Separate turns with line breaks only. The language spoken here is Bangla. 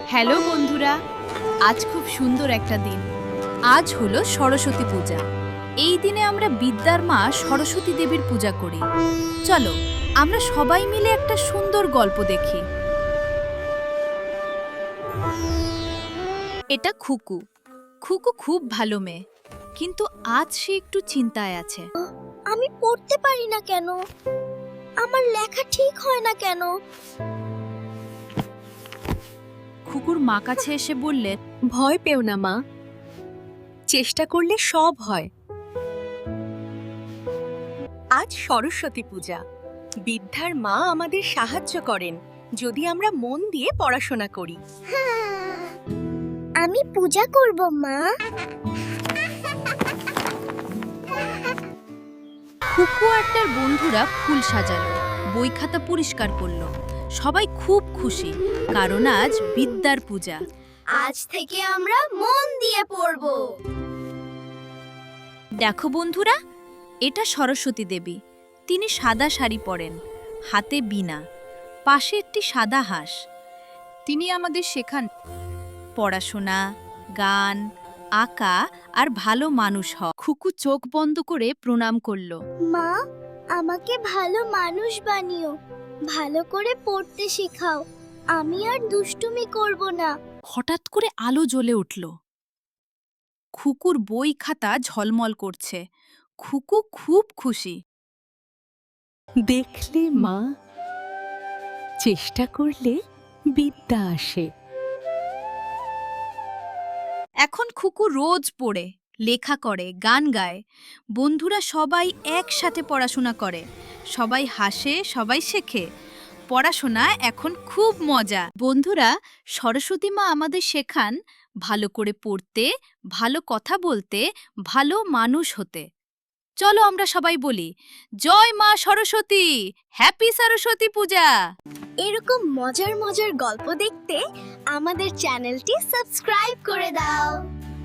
হ্যালো বন্ধুরা, আজ খুব সুন্দর একটা দিন। আজ হলো সরস্বতী পূজা। এই দিনে আমরা বিদ্যার মা সরস্বতী দেবীর পূজা করি। চলো আমরা সবাই মিলে একটা সুন্দর গল্প দেখি। এটা খুকু। খুকু খুব ভালো মেয়ে, কিন্তু আজ সে একটু চিন্তায় আছে।
আমি পড়তে পারি না কেন? আমার লেখা ঠিক হয় না কেন?
খুকুর মা কাছে এসে বললেন,
ভয় পেও না মা, চেষ্টা করলে সব হয়। আজ সরস্বতী পূজা। বিদ্যার মা আমাদের সাহায্য করেন যদি আমরা মন দিয়ে পড়াশোনা করি।
আমি পূজা করব মা।
খুকু আর তার বন্ধুরা ফুল সাজালো, বই খাতা পরিষ্কার করলো। সবাই খুব খুশি, কারণ আজ বিদ্যার পূজা।
আজ থেকে আমরা মন দিয়ে পড়ব।
দেখো বন্ধুরা, এটা সরস্বতী দেবী। তিনি সাদা শাড়ি পরেন, হাতে বীণা, পাশে একটি সাদা হাঁস। তিনি আমাদের শেখান পড়াশোনা, গান, আঁকা আর ভালো মানুষ হওয়া। খুকু চোখ বন্ধ করে প্রণাম করল।
মা, আমাকে ভালো মানুষ বানিও, ভালো করে পড়তে শেখাও। আমি আর দুষ্টুমি করব না।
হঠাৎ করে আলো জ্বলে উঠল। খুকুর বই খাতা ঝলমল করছে। খুকু খুব খুশি।
দেখলে মা, চেষ্টা করলে বিদ্যা আসে।
এখন খুকু রোজ পড়ে, লেখা করে, গান গায়। বন্ধুরা সবাই একসাথে পড়াশোনা করে, সবাই হাসে, সবাই শেখে। পড়াশোনা এখন খুব মজা। বন্ধুরা, সরস্বতী মা আমাদের শেখান ভালো করে পড়তে, ভালো কথা বলতে, ভালো মানুষ হতে। চলো আমরা সবাই বলি, জয় মা সরস্বতী, হ্যাপি সরস্বতী পূজা।
এরকম মজার মজার গল্প দেখতে আমাদের চ্যানেলটি সাবস্ক্রাইব করে দাও।